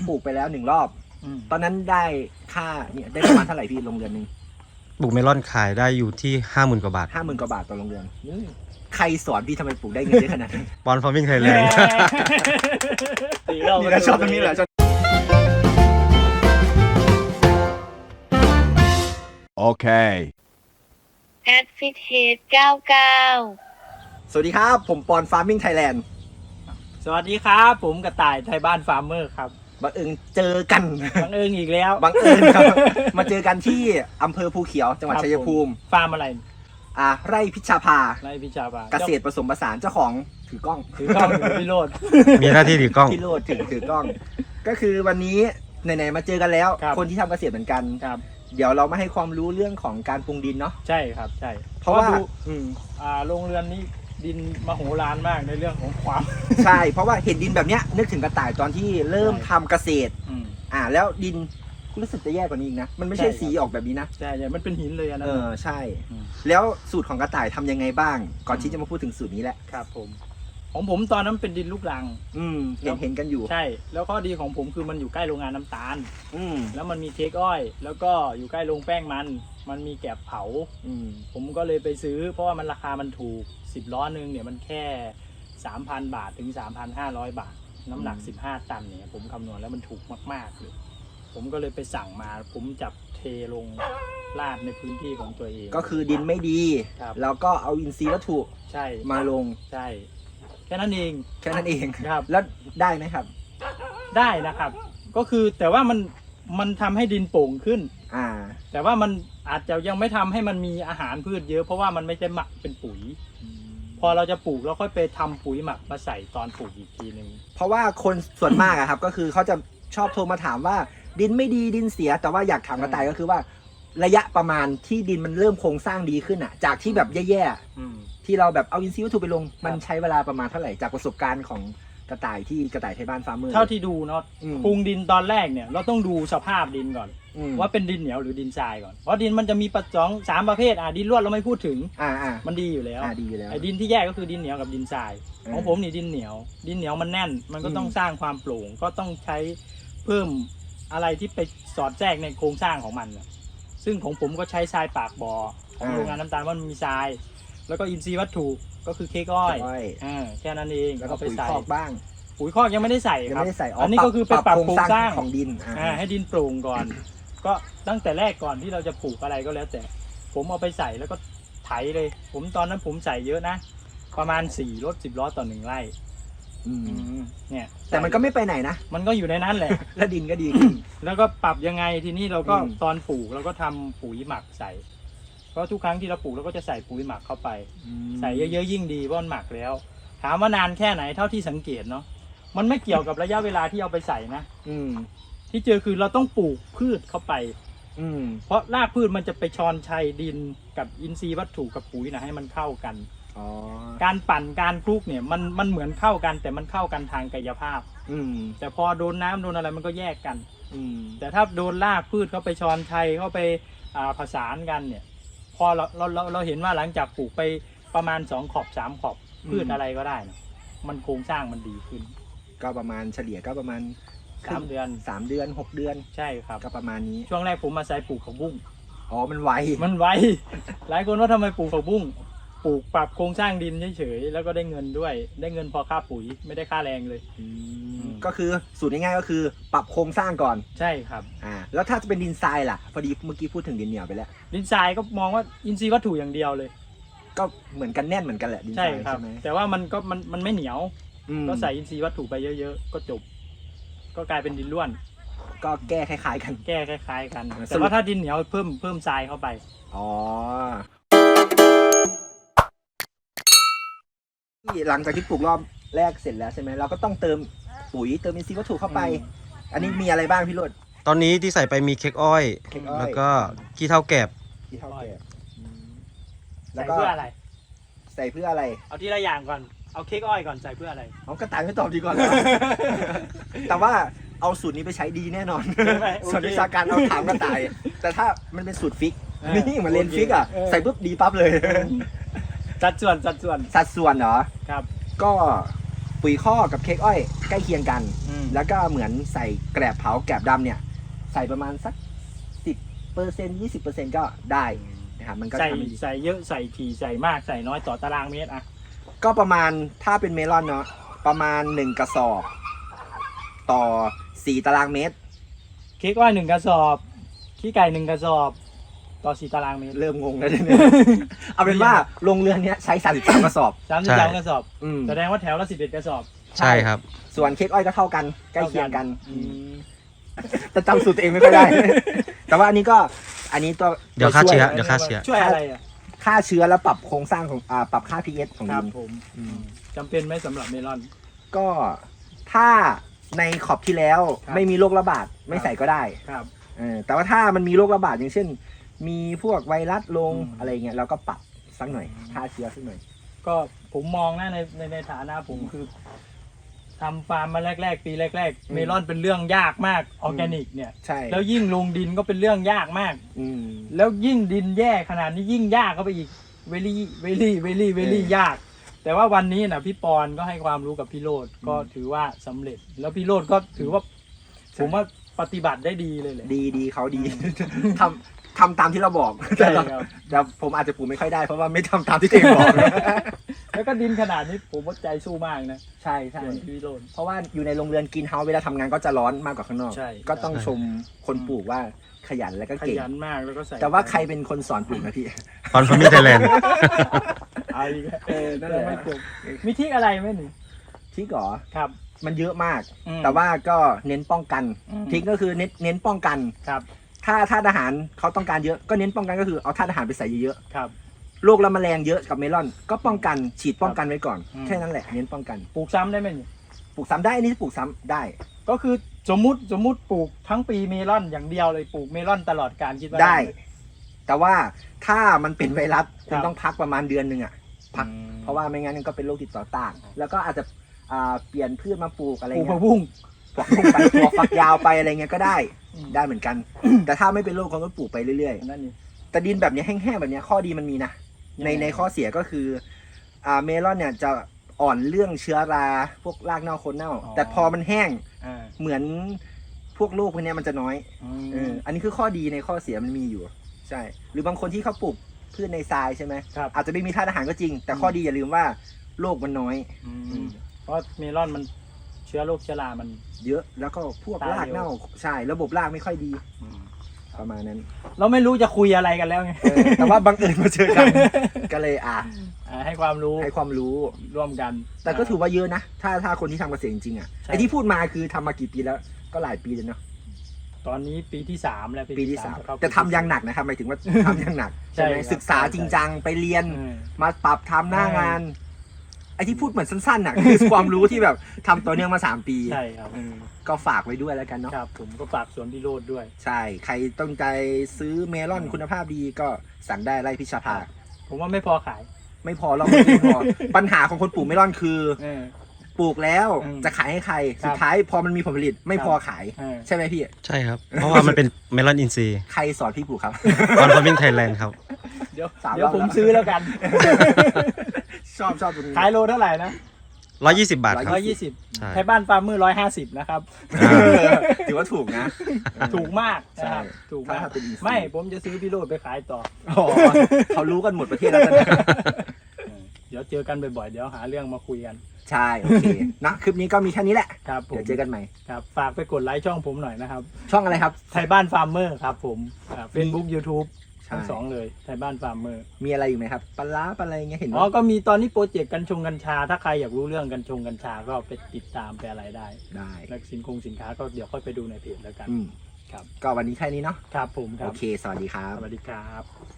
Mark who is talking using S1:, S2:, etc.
S1: ปลูกไปแล้ว1 รอบตอนนั้นได้ค่าเนี่ยได้ประมาณเท่าไหร่พี่โรงเรือนหนึ่ง
S2: ปลูกเมลอนขายได้อยู่ที่ 50,000 กว่าบาท
S1: 50,000 กว่าบาทต่อโรงเรือนใครสอนพี่ทำไมปลูกได้เงินเยอะขนาดนั้น
S2: บอลฟาร์มิ่งไทยแลนด์
S1: นี่แหละชอบตรงนี้แหละ
S3: โอเค
S4: แอดฟิตเฮด99
S1: สวัสดีครับผมปอนฟาร์มิ่งไทยแลนด์
S5: สวัสดีครับผมกระต่ายไทยบ้านฟาร์มเมอร์ครับ
S1: บังเอิญเจอกัน
S5: บังเอิญอีกแล้ว
S1: บังเอิญครับมาเจอกันที่อำเภอภูเขียวจังหวัดชัยภูมิ
S5: ฟาร์มอะไร
S1: ไร่พิชาภา
S5: ไร่พิชาภา
S1: เกษตรผสมผสานเจ้าของถือกล้อง
S5: พี่โรด
S2: มีหน้าที่ถือกล้อง
S1: พี่โรดถือกล้อง ก็คือวันนี้ไหนๆมาเจอกันแล้วคนที่ทำเกษตรเหมือนกันเดี๋ยวเรามาให้ความรู้เรื่องของการปรุงดินเนาะ
S5: ใช่ครับใช่
S1: เพราะว่า
S5: โรงเรือนนี้ดินมโหฬารมากในเรื่องของความ
S1: ใช่เพราะว่าเห็นดินแบบเนี้ยนึกถึงกระต่ายตอนที่เริ่มทำเกษตรแล้วดินรู้สึกจะแย่กว่านี้อีกนะมันไม่ใช่สีออกแบบนี้นะ
S5: ใช่มันเป็นหินเลยนะ
S1: ใช่แล้วสูตรของกระต่ายทำยังไงบ้างก่อนที่จะมาพูดถึงสูตรนี้แหละ
S5: ครับผมของผมตอนนั้นเป็นดินลูกรัง
S1: เห็นกันอยู่
S5: ใช่แล้วข้อดีของผมคือมันอยู่ใกล้โรงงานน้ำตาลแล้วมันมีเค้กอ้อยแล้วก็อยู่ใกล้โรงแป้งมันมีแกบเผาผมก็เลยไปซื้อเพราะว่ามันราคามันถูก10 ล้อนึงเนี่ยมันแค่ 3,000 บาทถึง 3,500 บาทน้ำหนัก15 ตันเนี่ยผมคำนวณแล้วมันถูกมากๆเลยผมก็เลยไปสั่งมาผมจับเทลงลาดในพื้นที่ของตัวเอง
S1: ก็คือดินไม่ดีแล้วก็เอาอินทรีย์วัตถุ
S5: ใช่
S1: มาลง
S5: ใช่แค่นั้นเอง
S1: ครับแล้วได้ไหมครับ
S5: ได้นะครับก็คือแต่ว่ามันทำให้ดินโป่งขึ้นแต่ว่ามันอาจจะยังไม่ทำให้มันมีอาหารพืชเยอะเพราะว่ามันไม่ได้หมักเป็นปุ๋ยพอเราจะปลูกเราค่อยไปทำปุ๋ยหมักมาใส่ตอนปลูกอีกทีนึง
S1: เพราะว่าคนส่วนมากอะครับก็คือเขาจะชอบโทรมาถามว่าดินไม่ดีดินเสียแต่ว่าอยากถามกระต่ายก็คือว่าระยะประมาณที่ดินมันเริ่มโครงสร้างดีขึ้นอะจากที่แบบแย่ๆที่เราแบบเอาอินทรีย์วัตถุไปลงมันใช้เวลาประมาณเท่าไหร่จากประสบการณ์ของกระต่ายที่กระต่ายไทยบ้านฟาร์มเมอร์
S5: เท่าที่ดูเนาะปรุงดินตอนแรกเนี่ยเราต้องดูสภาพดินก่อนว่าเป็นดินเหนียวหรือดินทรายก่อนเพราะดินมันจะมี3 ประเภทดินร่วนเราไม่พูดถึงมันดีอยู่แล้วไอ้ดินที่แย่ก็คือดินเหนียวกับดินทรายของผมนี่ดินเหนียวมันแน่นมันก็ต้องสร้างความโปร่งก็ต้องใช้เพิ่มอะไรที่ไปสอดแทรกในโครงสร้างของมันซึ่งของผมก็ใช้ทรายปากบ่อของโรงงานน้ำตาลมันมีทรายแล้วก็อินทรีย์วัตถุก็คือเค้กอ้อยแค่นั้นเอง
S1: แล้วก็ปุ๋ยคอกบ้าง
S5: ปุ๋ยคอกยังไม่ได้ใส่ครับอันนี้ก็คือไปปรับโครงสร้าง
S1: ของดิน
S5: ให้ดินโปร่งก่อนก็ตั้งแต่แรกก่อนที่เราจะปลูกอะไรก็แล้วแต่ผมเอาไปใส่แล้วก็ไถเลยผมตอนนั้นผมใส่เยอะนะประมาณ4 รถ 10 ล้อต่อ1 ไร่เนี่ย
S1: แต่มันก็ไม่ไปไหนนะ
S5: มันก็อยู่ในนั้นแหละ
S1: แล้วดินก็ดีขึ้น
S5: แล้วก็ปรับยังไงทีนี้เราก็ตอนปลูกเราก็ทำปุ๋ยหมักใส่เพราะทุกครั้งที่เราปลูกเราก็จะใส่ปุ๋ยหมักเข้าไปใส่เยอะๆยิ่งดีเพราะมันหมักแล้วถามว่านานแค่ไหนเท่าที่สังเกตเนาะมันไม่เกี่ยวกับระยะเวลาที่เอาไปใส่นะที่เจอคือเราต้องปลูกพืชเข้าไปเพราะรากพืชมันจะไปชอนชัยดินกับอินทรีย์วัตถุกับปุ๋ยนะให้มันเข้ากันการปั่นการคลุกเนี่ยมันเหมือนเข้ากันแต่มันเข้ากันทางกายภาพแต่พอโดนน้ำโดนอะไรมันก็แยกกันแต่ถ้าโดนรากพืชเข้าไปชอนชัยเข้าไปผสานกันเนี่ยพอเราเห็นว่าหลังจากปลูกไปประมาณ2 ขอบ 3 ขอบพืชอะไรก็ได้นะมันโครงสร้างมันดีขึ้น
S1: ก็ประมาณเฉลี่ยก็ประมาณ
S5: 3 เดือน
S1: 6 เดือน
S5: ใช่ครับ
S1: ก็ประมาณนี้
S5: ช่วงแรกผมมาใส่ปลูกผักบุ้ง
S1: มันไว
S5: หลายคนว่าทำไมปลูกผักบุ้งปลูกปรับโครงสร้างดินเฉยๆแล้วก็ได้เงินด้วยได้เงินพอค่าปุ๋ยไม่ได้ค่าแรงเลย
S1: ก็คือสูตรง่ายๆก็คือปรับโครงสร้างก่อน
S5: ใช่ครับ
S1: แล้วถ้าจะเป็นดินทรายล่ะพอดีเมื่อกี้พูดถึงดินเหนียวไปแล้ว
S5: ดินทรายก็มองว่าอินทรีย์วัตถุอย่างเดียวเลย
S1: ก็เหมือนกันแน่นเหมือนกันแหละดินทรายใช่ไหม
S5: แต่ว่ามันไม่เหนียวก็ใส่อินทรีย์วัตถุไปเยอะๆก็จบก็กลายเป็นดินร่วน
S1: ก็แก้คล้ายๆกัน
S5: แต่ว่าถ้าดินเหนียวเพิ่มทรายเข้าไป
S1: หลังจากที่ปลูกรอบแรกเสร็จแล้วใช่ไหมเราก็ต้องเติมปุ๋ยเติมอินทรีย์วัตถุเข้าไปอันนี้มีอะไรบ้างพี่โรจน์
S2: ตอนนี้ที่ใส่ไปมีเค้กอ้อยแล้วก็ขี้เถ้าแกบ
S5: แล้วก็
S1: ใส่เพื่ออะไร
S5: เอาทีละอย่างก่อนเอาเค้กอ้อยก่อนใส่เพื่ออะไร
S1: กระต่ายไม่ตอบดีก่อนแต่ว่าเอาสูตรนี้ไปใช้ดีแน่นอนส่วนวิชาการเอาถามกระต่ายแต่ถ้ามันเป็นสูตรฟิกนี่เหมือนเรียนฟิกใส่ปุ๊บดีปั๊บเลย
S5: สัดส่วน
S1: เหรอ
S5: ครับ
S1: ก็ปุ๋ยข้อกับเค้กอ้อยใกล้เคียงกัน
S5: แล้
S1: แล้ว วก็เหมือนใส่แกลบเผาแกลบดำเนี่ย ใส่ประมาณสัก 10% 20% ก็ได้นะครับมันก็
S5: ใส่
S1: ทำให้ดี
S5: ใส่เยอะใส่ถี่ใส่มากใส่น้อยต่อตารางเมตรอะ
S1: ก็ประมาณถ้าเป็นเมลอนเนาะประมาณ1กระสอบต่อ4ตารางเมตร
S5: เค้กอ้อย1 กระสอบขี้ไก่1 กระสอบต่อ4 ตารางเมตร
S1: เริ่มงงแล้วเนี่ย เอาเป็นว่าโรงเรือนเนี้ยใช้33กระสอบ
S5: 33 กระสอบ
S1: อืม
S5: แสดงว่าแถวละ11 กระสอบ
S2: ใช่ครับ
S1: ส่วนเค้กอ้อยก็เท่ากันใกล้เคียงกัน
S5: อืม
S1: แต่จำสูตรตัวเองไม่ค่อยได้ แต่ว่าอันนี้ตัว
S2: เดี๋ยวฆ่าเชื้อ
S1: ช่
S2: เดี๋ยวฆ่าเชื้อ
S5: ช่วยอะไรอ่ะ
S1: ฆ่าเชื้อแล้วปรับโครงสร้างของปรับค่า pH ของ
S5: ครั
S1: ดิ
S5: บ
S1: น
S5: ผม
S1: อืม
S5: จำเป็นไหมสำหรับเมลอน
S1: ก็ถ้าในขอบที่แล้ว
S5: ครับ
S1: ไม่มีโรคระบาดไม่ใส่ก็ได้
S5: ครับ
S1: แต่ว่าถ้ามันมีโรคระบาดอย่างเช่น มีพวกไวรัสลง
S5: อืม
S1: อะไรเงี้ยเราก็ปรับสักหน่อยฆ่าเชื้อสักหน่อย
S5: ก็ผมมองนะในฐานะผมคือทำฟาร์มมาแรกๆ ปีแรก
S1: อื
S5: ๆ
S1: ม
S5: เมลอนเป็นเรื่องยากมากออร์แกนิกเนี่ย
S1: ใช่
S5: แล้วยิ่งลงดินก็เป็นเรื่องยากมาก
S1: อืม
S5: แล้วยิ่งดินแย่ขนาดนี้ยิ่งยากเข้าไปอีกเวลี่ยาก แต่ว่าวันนี้นะพี่ปอนก็ให้ความรู้กับพี่โรดก็ถือว่าสำเร็จ แล้วพี่โรดก็ถือว่า
S1: ใช่
S5: ผมว่าปฏิบัติได้ดีเลยแหละ
S1: ดีเขาดี ทำตามที่เราบอก
S5: ใช่ครับ
S1: แต่ผมอาจจะปลูกไม่ค่อยได้เพราะว่าไม่ทำตามที่ตัวเองบอก
S5: แล้วก็ดินขนาดนี้ผมว่าใจสู้มากนะ
S1: ใช่ใช่
S5: ส่วนพี่โรด
S1: เพราะว่าอยู่ในโรงเรือนกินเฮาส์เวลาทำงานก็จะร้อนมากกว่าข้างนอก
S5: ใช่
S1: ก็ต้อง
S2: ใช่
S1: ชมคนปลูกว่าขยันและก็
S5: ข
S1: เก่ง
S5: ยันมากแล้วก็ใส่
S1: แต่ว่าใครเป็นคนสอนปลูกนะพี่
S2: ตอนฟาร์มิงไทยแลนด์
S5: เอาอีกแล้ว
S1: นั่นแหละ
S5: ไม่จบมีทริกอะไรไหมหนิ
S1: ที่ก่อ
S5: ครับ
S1: มันเยอะมาก
S5: อืม
S1: แต่ว่าก็เน้นป้องกัน
S5: อืม
S1: ทริกก็คือเน้นป้องกัน
S5: ครับ
S1: ถ้าธาตุอาหารเขาต้องการเยอะก็เน้นป้องกันก็คือเอาธาตุอาหารไปใส่เยอะ
S5: ครับ
S1: ๆโรคและแมลงเยอะกับเมลอน ก็ป้องกันฉีดป้องกันไว้ก่อน
S5: อืม
S1: แค่นั้นแหละเน้นป้องกัน
S5: ปลูกซ้ำได้ไหมหนิ
S1: ปลูกซ้ำได้อันนี้ปลูกซ้ำได้
S5: ก็คือสมมุติปลูกทั้งปีเมลอนอย่างเดียวเลยปลูกเมลอนตลอดการคิดว่า
S1: ได้
S5: หม
S1: แต่ว่าถ้ามันเป็นไวรัส
S5: ค
S1: คุ
S5: รั
S1: ณ
S5: บ
S1: ต้องพักประมาณเดือนหนึ่งอ่ะ พัก
S5: อืม
S1: เพราะว่าไม่งั้นมันก็เป็นโรคติดต่อต่าง แล้วก็อาจจะเปลี่ยนพืชมาปลูกอะไร
S5: ปลูก
S1: เงี้
S5: ผั
S1: ย
S5: กบุ้ง
S1: ปลูกไปถั่วฝักยาวไปอะไรเงี้ยก็ได้
S5: อืม
S1: ได้เหมือนกัน แต่ถ้าไม่เป็นโรคก็ปลูกไปเรื่อย
S5: นั่นนี่
S1: ๆ แต่ดินแบบเนี้ยแห้งๆแบบเนี้ยข้อดีมันมีนะ
S5: ยังไง
S1: ในข้อเสียก็คือเมลอนเนี่ยจะอ่อนเรื่องเชื้อราพวกรากเน่าโคนเน่า แต่พอมันแห้ง
S5: อ่า
S1: เหมือนพวกโรคพวกเนี้ยมันจะน้อย อันนี้คือข้อดีในข้อเสียมันมีอยู่ ใช่ หรือบางคนที่เขาปลูกพืชในทรายใช่ไหม
S5: ครับ
S1: อาจจะไม่มีธาตุอาหารก็จริง แต่ข้อดีอย่าลืมว่าโรคมันน้อย
S5: เพราะเมลอนมันเชื้อโรคเชื้อรามัน
S1: เยอะแล้วก็พวก
S5: ตาย
S1: รากเน่า
S5: เร็ว
S1: ใช่ ระบบรากไม่ค่อยดีประมาณนั้น
S5: เราไม่รู้จะคุยอะไรกันแล้วไง
S1: แต่ว่าบังเอิญมาเจอกัน ก็เลย
S5: ให้ความรู้
S1: ให้ความรู้
S5: ร่วมกัน
S1: แต่ก็ถือว่าเยอะนะ ถ้าคนที่ทำเกษตรจริงๆอ่ะ
S5: ใช่
S1: ไอที่พูดมาคือทำมากี่ปีแล้ว ก็หลายปีเลยเนาะ
S5: ตอนนี้ปีที่ 3 แล้ว
S1: ปีที่สาม
S5: จะเข้
S1: แต่ทำอยังหนักนะครับหมายถึงว่าทำอยังหนัก
S5: ใช่
S1: ใช่ไหม
S5: ครับ
S1: ศึกษาจริงจังไปเรียน
S5: เออ
S1: มาปรับทำหน้างาน ไอที่พูดเหมือนสั้นๆน่ะ คือความรู้ที่แบบทำต่อเนื่องมา3 ปี
S5: ใช่ครับ
S1: ก็ฝากไว้ด้วยแล้วกันเนาะ
S5: ครับผมก็ฝากสวนพี่โรดด้วย
S1: ใช่ ใครต้องใจซื้อเมลอนคุณภาพดีก็สั่งได้ไร่พิชภา
S5: ผมว่าไม่พอขาย
S1: ไม่พอเราไม่พอ ปัญหาของคนปลูกเมลอนคือ
S5: เออ
S1: ปลูกแล้ว
S5: อืม
S1: จะขายให้ใคร
S5: ครับ
S1: สุดท้ายพอมันมีผลผลิตไม่พอขาย
S5: เออ
S1: ใช่ไหมพี่
S2: ใช่ครับ เพราะว่ามันเป็นเมลอนอินซีย์
S1: ใครสอนพี่ปลูกครับ
S2: ตอนฟาร์มิงไทยแลนด์ครับ
S5: เดี๋ยว
S1: 3
S5: เดี๋ยว
S1: รอบ
S5: ผม
S1: แล้ว
S5: ซื้อแล้วกัน
S1: ชอบตรงนี้
S5: ขายโลเท่าไหร่นะ
S2: 120 บาทครับ
S5: 120
S2: ใช่
S5: ไทยบ้านฟาร์มเมอร์150นะครับ
S1: ถือว่าถูกนะ
S5: ถูกมากนะครับ
S1: ใช่
S5: ถูกมาก
S1: ถ้าเป็น easy
S5: ไม่ผมจะซื้อพี่โรดไปขายต่อ
S1: อ๋อเขารู้กันหมดประเทศแล้วตอนนี้
S5: เดี๋ยวเจอกันบ่อยๆ เดี๋ยวหาเรื่องมาคุยกัน
S1: ใช่ โอเคนะคลิปนี้ก็มีแค่นี้แหละ
S5: ครับผม
S1: เดี๋ยวเจอกันใหม่
S5: ครับฝากไปกดไลค์ช่องผมหน่อยนะครับ
S1: ช่องอะไรครับ
S5: ไทยบ้านฟาร์มเมอร์ครับผมเฟซบุ๊กยูทูบ
S1: ใช่
S5: ทั้งสองเลยไทยบ้านฟาร์มเมอร์
S1: มีอะไรอยู่ไหมครับปลาร้าปลาอะไรเงี้ยเห็น
S5: อ๋อ
S1: ว่า
S5: ก็มีตอนนี้โปรเจกต์กัญชา ถ้าใครอยากรู้เรื่องกัญชาก็ไปติดตามไปอะไรได้
S1: ได้
S5: แล้วสินค้าก็เดี๋ยวค่อยไปดูในเพจแล้วกัน
S1: อืม
S5: ครับ
S1: ก็วันนี้แค่นี้เนาะ
S5: ครับผมค
S1: โอ
S5: รับ
S1: เค สวัสดีครับ
S5: สวัสดีครับ